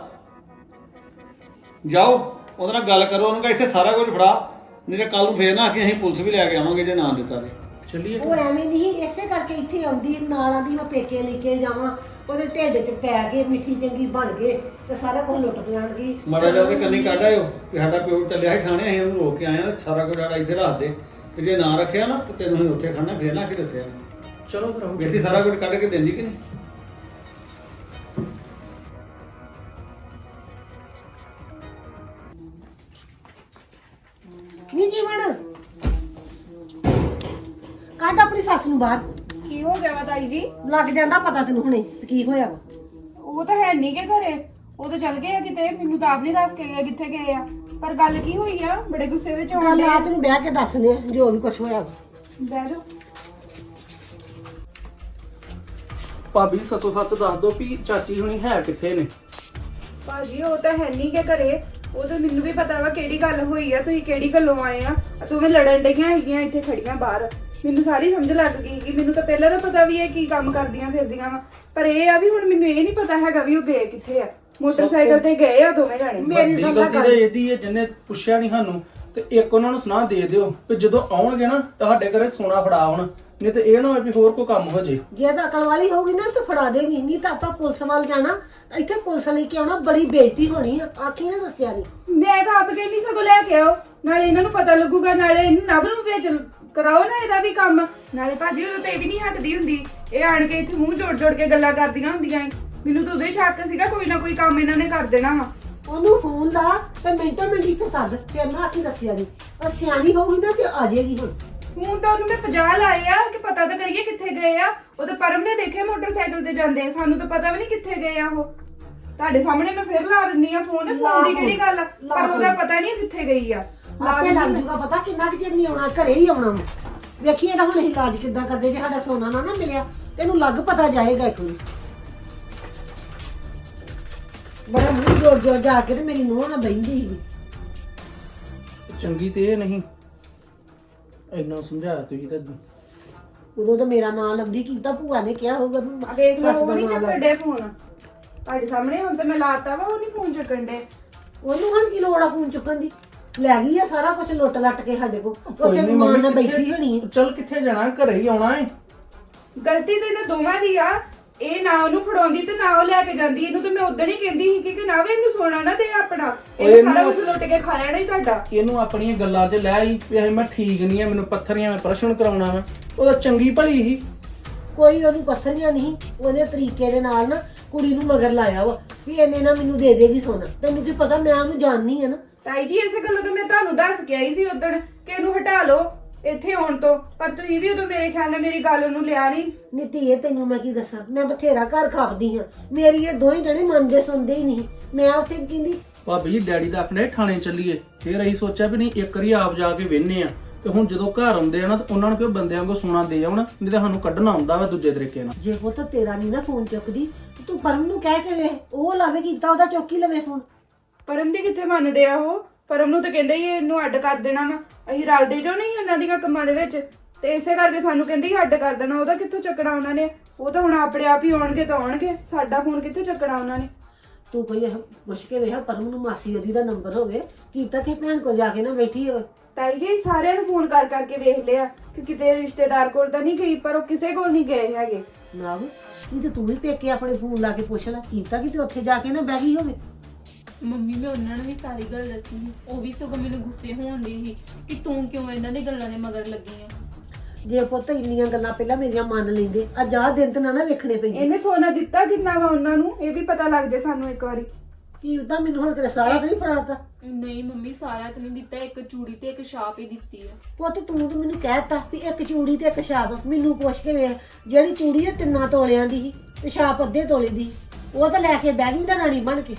D: ਜਾਓ ਉਹਦੇ ਨਾਲ ਗੱਲ ਕਰੋ, ਉਹਨੂੰ ਕਹ ਇੱਥੇ ਸਾਰਾ ਕੁਝ ਫੜਾ, ਨਹੀਂ ਤੇ ਕੱਲ ਨੂੰ ਫੇਰ ਨਾ ਕਿ ਅਸੀਂ ਪੁਲਿਸ ਵੀ ਲੈ ਕੇ ਆਵਾਂਗੇ ਜੇ ਨਾ ਦਿੱਤਾ ਤੇ।
B: ਚੱਲੀਏ।
C: ਉਹ ਐਵੇਂ ਨਹੀਂ, ਇਸੇ ਕਰਕੇ ਇੱਥੇ ਆਉਂਦੀ ਨਾਲਾਂ ਦੀ ਮੈਂ ਪੇਕੇ ਲੈ ਕੇ ਜਾਵਾਂ, ਉਹਦੇ ਢਿੱਡ 'ਚ ਪੈ ਗਏ, ਮਿੱਠੀ ਚੰਗੀ ਬਣ ਗਏ ਤੇ ਸਾਰਾ ਕੁਝ ਲੁੱਟ ਜਾਣਗੀ।
D: ਮਾੜਾ ਜਿਹਾ ਉਹਦੇ ਕੰਨੀ ਕੱਢ ਆਇਓ ਕਿ ਸਾਡਾ ਪਿਓ ਚੱਲਿਆ ਸੀ ਥਾਣੇ, ਅਸੀਂ ਉਹਨੂੰ ਰੋਕ ਕੇ ਆਏ ਆ, ਸਾਰਾ ਕੁਝ ਸਾਡਾ ਇੱਥੇ ਰੱਖ ਦੇ, ਤੇ ਜੇ ਨਾ ਰੱਖਿਆ ਨਾ ਤੇ ਤੈਨੂੰ ਅਸੀਂ ਉੱਥੇ ਖੜਨਾ, ਫੇਰ ਨਾ ਕਿ ਦੱਸਿਆ।
B: ਚਲੋ ਫਿਰ ਆਓ।
D: ਬੇਟੀ ਸਾਰਾ ਕੁਝ ਕੱਢ ਕੇ ਦਿੰਦੀ ਕਿ ਨਹੀਂ?
C: ਨਹੀਂ ਜੀਵਨ, ਕੱਢ ਆਪਣੀ ਸੱਸ ਨੂੰ ਬਾਹਰ।
F: ਕੀ ਹੋ ਗਿਆ ਵਾ ਤਾਈ ਜੀ?
C: ਲੱਗ ਜਾਂਦਾ ਪਤਾ ਤੈਨੂੰ ਹੁਣੇ ਵੀ ਕੀ ਹੋਇਆ ਵਾ।
F: ਉਹ ਤਾਂ ਹੈ ਨਹੀਂ ਕਿ ਘਰੇ, ਉਹ ਤਾਂ ਚਲ ਗਏ ਆ ਕਿਤੇ, ਮੈਨੂੰ ਤਾਂ ਆਪ ਨਹੀਂ ਦੱਸ ਕੇ ਗਏ ਕਿੱਥੇ ਗਏ ਆ। ਪਰ ਗੱਲ ਕੀ ਹੋਈ ਆ? ਬੜੇ ਗੁੱਸੇ ਵਿੱਚ
C: ਗੱਲ
F: ਹੋਣ
C: ਆ
F: ਡਏ।
C: ਤੈਨੂੰ ਬਹਿ ਕੇ ਦੱਸਦੇ ਆ ਜੋ ਵੀ ਕੁਝ ਹੋਇਆ ਵਾ।
F: ਬਹਿ ਜਾਓ।
B: ਭਾਬੀ ਸੱਚੋ ਸੱਚ ਦੱਸ ਦੋ ਵੀ ਚਾਚੀ ਹੁਣੀ ਹੈ ਕਿੱਥੇ ਨੇ?
F: ਭਾਜੀ ਉਹ ਤਾਂ ਹੈ ਨਹੀਂ ਕਿ ਘਰੇ, ਉਹ ਤਾਂ ਮੈਨੂੰ ਵੀ ਪਤਾ ਵਾ ਕਿਹੜੀ ਗੱਲ ਹੋਈ ਆ, ਤੁਸੀਂ ਕਿਹੜੀ ਗੱਲੋਂ ਆਏ ਆ। ਤੁਸੀਂ ਲੜਨ ਡਈਆਂ ਹੈਗੀਆਂ ਇੱਥੇ ਖੜੀਆਂ ਬਾਹਰ, ਮੈਨੂੰ ਸਾਰੀ ਸਮਝ ਲੱਗ ਗਈ ਕਿ ਮੈਨੂੰ ਤਾਂ ਪਹਿਲਾਂ ਤਾਂ ਪਤਾ ਵੀ ਹੈ ਕੀ ਕੰਮ ਕਰਦੀਆਂ ਫਿਰਦੀਆਂ ਵਾ, ਪਰ ਇਹ ਆ ਵੀ ਹੁਣ ਮੈਨੂੰ ਇਹ ਨਹੀਂ ਪਤਾ ਹੈਗਾ ਵੀ ਉਹ ਗਏ ਕਿੱਥੇ ਆ। ਮੋਟਰਸਾਈਕਲ ਤੇ ਗਏ ਆ ਦੋਵੇਂ ਜਾਣੇ।
C: ਮੇਰੀ
B: ਵੱਡੀ
C: ਸੁਣ ਲੈ
B: ਗਲਤੀ ਤਾਂ
C: ਗੱਲ।
B: ਇਹਦੀ ਹੈ, ਜਿਹਨੇ ਪੁੱਛਿਆ ਨਹੀਂ ਸਾਨੂੰ। ਤੇ ਇੱਕ ਉਹਨਾਂ ਨੂੰ ਸੁਣਾ ਦੇ ਦਿਓ ਕਿ ਜਦੋਂ ਆਉਣਗੇ ਨਾ ਤੁਹਾਡੇ ਘਰੇ ਸੋਨਾ ਫੜਾ ਆਉਣ, ਨਹੀਂ ਤੇ ਇਹ ਨਾ ਹੋਵੇ ਵੀ ਹੋਰ ਕੋਈ ਕੰਮ ਹੋ ਜੇ।
C: ਜੇ ਤਾਂ ਅਕਲ ਵਾਲੀ ਹੋਊਗੀ ਨਾ ਤਾਂ ਫੜਾ ਦੇਗੀ, ਨਹੀਂ ਤਾਂ ਆਪਾਂ ਪੁਲਿਸ ਵੱਲ ਜਾਣਾ, ਇੱਥੇ ਪੁਲਿਸ ਲੈ ਕੇ ਆਉਣਾ, ਬੜੀ ਬੇਇੱਜ਼ਤੀ ਹੋਣੀ ਆ। ਆਖੀ ਨਾ ਦੱਸਿਆ ਨਹੀਂ।
F: ਮੈਂ ਤਾਂ ਆਪ ਕਹਿੰਦੀ ਸਗੋਂ ਲੈ ਕੇ ਆਓ, ਨਾਲੇ ਇਹਨਾਂ ਨੂੰ ਪਤਾ ਲੱਗੂਗਾ, ਨਾਲੇ ਇਹਨੂੰ ਨਵ ਨੂੰ ਵੇਚ ਕਰਾਓ ਨਾ ਇਹਦਾ ਵੀ ਕੰਮ। ਨਾਲੇ ਭਾਜੀ ਉਦੋਂ ਤੇ ਇਹ ਵੀ ਨਹੀਂ ਹਟਦੀ ਹੁੰਦੀ, ਇਹ ਆਣ ਕੇ ਇੱਥੇ ਮੂੰਹ ਜੋੜ ਜੋੜ ਕੇ ਗੱਲਾਂ ਕਰਦੀਆਂ ਹੁੰਦੀਆਂ ਏ। ਮੈਨੂੰ ਤਾਂ ਉਦੋਂ ਹੀ ਸ਼ੱਕ ਸੀਗਾ ਕੋਈ ਨਾ ਕੋਈ ਕੰਮ ਇਹਨਾਂ ਨੇ ਕਰ ਦੇਣਾ ਵਾ।
C: ਉਹਨੂੰ ਫੋਨ ਲਾ ਤੇ ਮਿੰਟੋ ਮਿੰਟ ਇੱਥੇ ਸੱਦ, ਫਿਰ ਨਾ ਆਖੀ ਦੱਸਿਆ ਨਹੀਂ। ਪਰ ਸਿਆਣੀ ਹੋਊਗੀ ਨਾ ਤੇ ਆ ਜਾਏਗੀ ਹੁਣ।
F: ਹੁਣ ਤਾਂ ਉਹਨੂੰ ਮੈਂ ਪੰਜਾਹ ਲਾਏ ਆ ਕਿ ਪਤਾ ਤਾਂ ਕਰੀਏ ਕਿੱਥੇ ਗਏ ਆ। ਉਹ ਤਾਂ ਪਰਮ ਨੇ ਦੇਖੇ ਮੋਟਰਸਾਈਕਲ ਤੇ ਜਾਂਦੇ, ਸਾਨੂੰ ਤਾਂ ਪਤਾ ਵੀ ਨਹੀਂ ਕਿੱਥੇ ਗਏ ਆ ਉਹ। ਤੁਹਾਡੇ ਸਾਹਮਣੇ ਮੈਂ ਫਿਰ ਲਾ ਦਿੰਨੀ ਆ ਫੋਨ, ਫੋਨ ਦੀ ਕਿਹੜੀ ਗੱਲ ਆ, ਪਰ ਉਹਦਾ ਪਤਾ ਨਹੀਂ ਕਿੱਥੇ ਗਈ ਆ।
C: ਆਪੇ ਲੱਗ ਜੂਗਾ ਪਤਾ, ਕਿੰਨਾ ਕੁ ਚਿਰ ਨਹੀਂ ਆਉਣਾ, ਘਰੇ ਹੀ ਆਉਣਾ ਵਾ। ਵੇਖੀਏ ਨਾ ਹੁਣ ਇਲਾਜ ਕਿੱਦਾਂ ਕਰਦੇ, ਜੇ ਸਾਡਾ ਸੋਨਾ ਨਾ ਨਾ ਮਿਲਿਆ ਤੈਨੂੰ ਲੱਗ ਪਤਾ ਜਾਏਗਾ ਇੱਕ ਵਾਰੀ। ਬੜਾ ਮੂੰਹ ਜੋੜ ਜੋੜ ਜਾ ਕੇ ਤੇ ਮੇਰੀ ਨੂੰਹ ਨਾਲ ਬਹਿੰਦੀ ਸੀਗੀ।
B: ਚੰਗੀ ਤੇ ਇਹ ਨਹੀਂ, ਇੰਨਾ ਸਮਝਾਇਆ ਤੁਸੀਂ ਤਾਂ।
C: ਉਦੋਂ ਤਾਂ ਮੇਰਾ ਨਾਂ ਲੰਬੀ ਕੀਤਾ, ਭੂਆ ਨੇ ਕਿਹਾ ਹੋਊਗਾ ਵੀ
F: ਆ ਵੇਖ ਲਓ
C: ਸੱਸ
F: ਉਹ
C: ਦਾ
F: ਨਹੀਂ
C: ਨਾਂ
F: ਚੱਕਣ
C: ਲੈ।
F: ਡੇ ਫੋਨ ਤੁਹਾਡੇ ਸਾਹਮਣੇ। ਹੁਣ ਤਾਂ ਮੈਂ ਲਾਤਾ ਵਾ, ਉਹ ਨਹੀਂ ਫੋਨ ਚੱਕਣ ਡੇ।
C: ਉਹਨੂੰ ਹੁਣ ਕੀ ਲੋੜ ਆ ਫੋਨ ਚੁੱਕਣ ਦੀ? ਲੈ ਗਈ ਆ ਸਾਰਾ ਕੁਝ ਲੁੱਟ ਲੱਟ ਕੇ ਸਾਡੇ ਕੋਲ।
B: ਕੋਈ
C: ਉੱਥੇ
B: ਨੀ
C: ਮਾਂ ਨਾਲ
B: ਮੰਮੀ,
C: ਬੈਠੀ ਹੋਣੀ ਆ।
B: ਚੱਲ ਕਿੱਥੇ ਜਾਣਾ, ਘਰੇ ਹੀ ਆਉਣਾ ਹੈ।
F: ਗਲਤੀ ਤੇ ਇਹਨਾਂ ਦੋਵਾਂ ਦੀ ਆ। ਇਹ ਨਾ ਉਹਨੂੰ ਫੜਾਉਂਦੀ ਤੇ ਨਾ ਉਹ ਲੈ ਕੇ ਜਾਂਦੀ। ਇਹਨੂੰ ਤੇ ਮੈਂ ਉਦੋਂ ਹੀ ਕਹਿੰਦੀ ਸੀ ਕਿ ਨਾ ਵੇ ਇਹਨੂੰ ਸੋਨਾ ਨਾ ਦੇ ਆਪਣਾ,
B: ਓਏ
F: ਇਹ ਸਾਰਾ
B: ਇਹਨੂੰ-
F: ਕੁਝ ਲੁੱਟ ਕੇ ਖਾ ਲੈਣਾ ਹੀ ਤੁਹਾਡਾ।
B: ਇਹਨੂੰ ਆਪਣੀਆਂ ਗੱਲਾਂ 'ਚ ਲੈ ਆਈ ਵੀ ਇਹ ਮੈਂ ਠੀਕ ਨਹੀਂ ਆ, ਮੈਨੂੰ ਪੱਥਰੀਆਂ ਮੈਂ ਪ੍ਰਸ਼ਨ ਕਰਾਉਣਾ ਵਾ। ਉਹਦਾ ਚੰਗੀ ਭਲੀ ਸੀ।
C: ਕੋਈ ਉਹਨੂੰ ਪੱਥਰੀਆਂ ਨਹੀਂ, ਉਹਨੇ ਤਰੀਕੇ ਦੇ ਨਾਲ ਨਾ ਕੁੜੀ ਨੂੰ ਮਗਰ ਲਾਇਆ ਵਾ ਵੀ ਇਹਨੇ ਨਾ ਮੈਨੂੰ ਦੇ ਦੇਗੀ ਸੋਨਾ। ਤੈਨੂੰ ਕੀ ਪਤਾ, ਮੈਂ ਉਹਨੂੰ ਜਾਣਨੀ ਆ ਨਾ।
F: ਤਾਈ ਜੀ ਇਸੇ ਗੱਲੋਂ ਤਾਂ ਮੈਂ ਤੁਹਾਨੂੰ ਦੱਸ ਕੇ ਆਈ ਸੀ ਉਦੋਂ ਕਿ ਇਹਨੂੰ ਹਟਾ ਲਓ ਇੱਥੇ ਆਉਣ ਤੋਂ, ਪਰ ਤੁਸੀਂ ਵੀ ਉਦੋਂ ਮੇਰੇ ਖਿਆਲ ਨਾਲ ਮੇਰੀ ਗੱਲ ਉਹਨੂੰ ਲਿਆ ਨਹੀਂ।
C: ਨੀਤੀ ਤੈਨੂੰ ਮੈਂ ਕੀ ਦੱਸਾਂ, ਮੈਂ ਬਥੇਰਾ ਘਰ ਖਾਪਦੀ ਹਾਂ, ਮੇਰੀ ਇਹ ਦੋਵੇਂ ਜਣੇ ਮੰਨਦੇ ਸੁਣਦੇ ਹੀ ਨਹੀਂ। ਮੈਂ ਉੱਥੇ ਕਹਿੰਦੀ
B: ਭਾਬੀ ਜੀ ਡੈਡੀ ਦਾ ਆਪਣੇ ਥਾਣੇ ਚੱਲੀਏ, ਫਿਰ ਅਸੀਂ ਸੋਚਿਆ ਵੀ ਨਹੀਂ ਇੱਕ ਵਾਰੀ ਆਪ ਜਾ ਕੇ ਵੇਹਨੇ ਆ, ਤੇ ਹੁਣ ਜਦੋਂ ਘਰ ਆਉਂਦੇ ਆ ਨਾ ਤੇ ਉਹਨਾਂ ਨੂੰ ਕੋਈ ਬੰਦਿਆਂ ਕੋ ਸੋਨਾ ਦੇ ਆਉਣ, ਨਹੀਂ ਤਾਂ ਸਾਨੂੰ ਕੱਢਣਾ ਆਉਂਦਾ ਵਾ ਦੂਜੇ ਤਰੀਕੇ ਨਾਲ।
C: ਜੇ ਪੁੱਤ ਤੇਰਾ ਨਹੀਂ ਨਾ ਫੋਨ ਚੁੱਕਦੀ ਤੇ ਤੂੰ ਪਰਮ ਨੂੰ ਕਹਿ ਕੇ ਵੇਖ, ਉਹ ਲਾਵੇ ਕੀਤਾ ਉਹਦਾ ਚੌਕੀ ਲਵੇ ਫੋਨ।
F: ਪਰਮ ਦੀ ਕਿੱਥੇ ਮੰਨਦੇ ਆ ਉਹ? ਪਰਮ ਨੂੰ ਤਾਂ ਕਹਿੰਦੇ ਹੀ ਇਹਨੂੰ ਅੱਡ ਕਰ ਦੇਣਾ ਵਾ, ਅਸੀਂ ਰਲਦੇ ਜੋ ਨਹੀਂ ਉਹਨਾਂ ਦੀਆਂ ਕੰਮਾਂ ਦੇ ਵਿੱਚ, ਤੇ ਇਸੇ ਕਰਕੇ ਸਾਨੂੰ ਕਹਿੰਦੀ ਅੱਡ ਕਰ ਦੇਣਾ। ਉਹਦਾ ਕਿੱਥੋਂ ਚੱਕਣਾ ਉਹਨਾਂ ਨੇ? ਉਹ ਤਾਂ ਹੁਣ ਆਪਣੇ ਆਪ ਹੀ ਆਉਣਗੇ ਤਾਂ ਆਉਣਗੇ, ਸਾਡਾ ਫੋਨ ਕਿੱਥੇ ਚੱਕਣਾ ਉਹਨਾਂ ਨੇ?
C: ਤੂੰ ਕੋਈ ਇਹ ਪੁੱਛ ਕੇ ਵੇਖ ਪਰਮ ਨੂੰ, ਮਾਸੀ ਉਹਦੀ ਦਾ ਨੰਬਰ ਹੋਵੇ, ਕੀ ਤਾਂ ਕਿ ਭੈਣ ਕੋਲ ਜਾ ਕੇ ਨਾ ਬੈਠੀ ਹੋਵੇ।
F: ਤਾਈ ਜੀ ਸਾਰਿਆਂ ਨੂੰ ਫੋਨ ਕਰ ਕਰਕੇ ਵੇਖ ਲਿਆ ਕਿ ਕਿਤੇ ਰਿਸ਼ਤੇਦਾਰ ਕੋਲ ਤਾਂ ਨਹੀਂ ਗਈ, ਪਰ ਉਹ ਕਿਸੇ ਕੋਲ ਨਹੀਂ ਗਏ ਹੈਗੇ।
C: ਨਾ ਨਹੀਂ ਤੇ ਤੂੰ ਵੀ ਪੇਕੇ ਆਪਣੇ ਫੋਨ ਲਾ ਕੇ ਪੁੱਛ ਲੈ, ਕੀ ਤਾਂ ਕਿਤੇ ਉੱਥੇ ਜਾ ਕੇ ਨਾ ਬਹਿ ਗਈ ਹੋਵੇ।
A: ਮੰਮੀ ਮੈਂ ਉਹਨਾਂ ਨੂੰ ਵੀ ਸਾਰੀ ਗੱਲ ਦੱਸੀ ਸੀ, ਉਹ ਵੀ ਸਗੋਂ ਮੈਨੂੰ ਗੁੱਸੇ ਹੋਉਂਦੀ ਸੀ ਕਿ ਤੂੰ ਕਿਉਂ ਇਹਨਾਂ ਦੀ ਗੱਲਾਂ ਦੇ ਮਗਰ ਲੱਗੀ ਆ।
C: ਜੇ ਪੁੱਤ ਇੰਨੀਆਂ ਗੱਲਾਂ ਪਹਿਲਾਂ ਮੇਰੀਆਂ ਮੰਨ ਲੈਂਦੇ, ਅੱਜ ਆਹ ਦਿਨ ਤੇ ਨਾ ਨਾ ਵੇਖਣੇ ਪੈਂਦੇ।
F: ਇਹਨੇ ਸੋਨਾ ਦਿੱਤਾ ਕਿੰਨਾ ਵਾ ਉਹਨਾਂ ਨੂੰ, ਇਹ ਵੀ ਪਤਾ ਲੱਗ ਜੇ ਸਾਨੂੰ ਇੱਕ ਵਾਰੀ।
C: ਕੀ ਉਦਾਂ ਮੈਨੂੰ ਹੁਣ ਤੇਰਾ ਸਾਰਾ ਤਾਂ ਨਹੀਂ ਫੜਾਤਾ।
A: ਨਹੀਂ ਮੰਮੀ ਸਾਰਾ ਤਾਂ ਨਹੀਂ ਦਿੱਤਾ, ਇੱਕ ਚੂੜੀ ਤੇ ਇੱਕ ਛਾਪ ਹੀ ਦਿੱਤੀ ਆ।
C: ਪੁੱਤ ਤੂੰ ਤਾਂ ਮੈਨੂੰ ਕਹਿਤਾ ਵੀ ਇੱਕ ਚੂੜੀ ਤੇ ਇੱਕ ਛਾਪ। ਮੈਨੂੰ ਪੁੱਛ ਕੇ ਵੇਖ, ਜਿਹੜੀ ਚੂੜੀ ਉਹ ਤਿੰਨਾਂ ਤੋਲਿਆਂ ਦੀ ਸੀ ਤੇ ਛਾਪ ਅੱਧੇ ਤੋਲੇ ਦੀ, ਉਹ ਤਾਂ ਲੈ ਕੇ ਬਹਿ ਗਈ ਨਾ ਰਾਣੀ ਬਣ ਕੇ।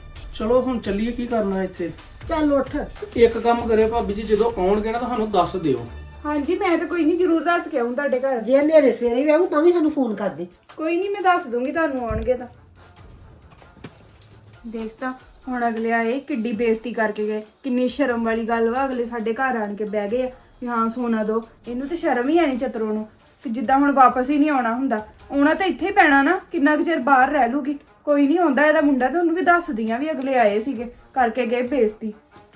B: ਚਲੋ ਹੁਣ ਚੱਲੀਏ, ਕੀ ਕਰਨਾ ਇੱਥੇ।
C: ਚੱਲ ਉੱਠ।
B: ਇੱਕ ਕੰਮ ਕਰਿਓ ਭਾਬੀ ਜੀ, ਜਦੋਂ ਆਉਣਗੇ ਨਾ ਤਾਂ ਸਾਨੂੰ ਦੱਸ ਦਿਓ।
F: ਹਾਂਜੀ ਮੈਂ ਤਾਂ ਕੋਈ ਨਹੀਂ, ਜ਼ਰੂਰ ਦੱਸ ਕੇ ਆਉਂ ਤੁਹਾਡੇ ਘਰ।
C: ਜੇ ਹਨੇਰੇ ਸਵੇਰੇ ਵੀ ਆਊ ਤਾਂ ਵੀ ਸਾਨੂੰ ਫੋਨ ਕਰ ਦੇ।
F: ਕੋਈ ਨਹੀਂ ਮੈਂ ਦੱਸ ਦੂੰਗੀ ਤੁਹਾਨੂੰ ਆਉਣਗੇ ਤਾਂ। ਦੇਖ ਤਾਂ ਹੁਣ ਅਗਲੇ ਆਏ ਕਿੱਡੀ ਬੇਇੱਜ਼ਤੀ ਕਰਕੇ ਗਏ, ਕਿੰਨੀ ਸ਼ਰਮ ਵਾਲੀ ਗੱਲ ਵਾ। ਅਗਲੇ ਸਾਡੇ ਘਰ ਆਣ ਕੇ ਬਹਿ ਗਏ ਆ ਵੀ ਹਾਂ ਸੋਨਾ ਦੋ। ਇਹਨੂੰ ਤਾਂ ਸ਼ਰਮ ਹੀ ਆਣੀ ਚਤਰੋ ਨੂੰ ਕਿ ਜਿੱਦਾਂ ਹੁਣ ਵਾਪਸ ਹੀ ਨਹੀਂ ਆਉਣਾ ਹੁੰਦਾ। ਆਉਣਾ ਤਾਂ ਇੱਥੇ ਹੀ ਪੈਣਾ ਨਾ, ਕਿੰਨਾ ਕੁ ਚਿਰ ਬਾਹਰ ਰਹਿ ਲੂਗੀ। ਕੋਈ ਨਹੀਂ ਆਉਂਦਾ ਇਹਦਾ ਮੁੰਡਾ, ਤੇ ਉਹਨੂੰ ਵੀ ਦੱਸਦੀਆਂ ਵੀ ਅਗਲੇ ਆਏ ਸੀਗੇ ਕਰਕੇ ਗਏ ਬੇਇੱਜ਼ਤੀ।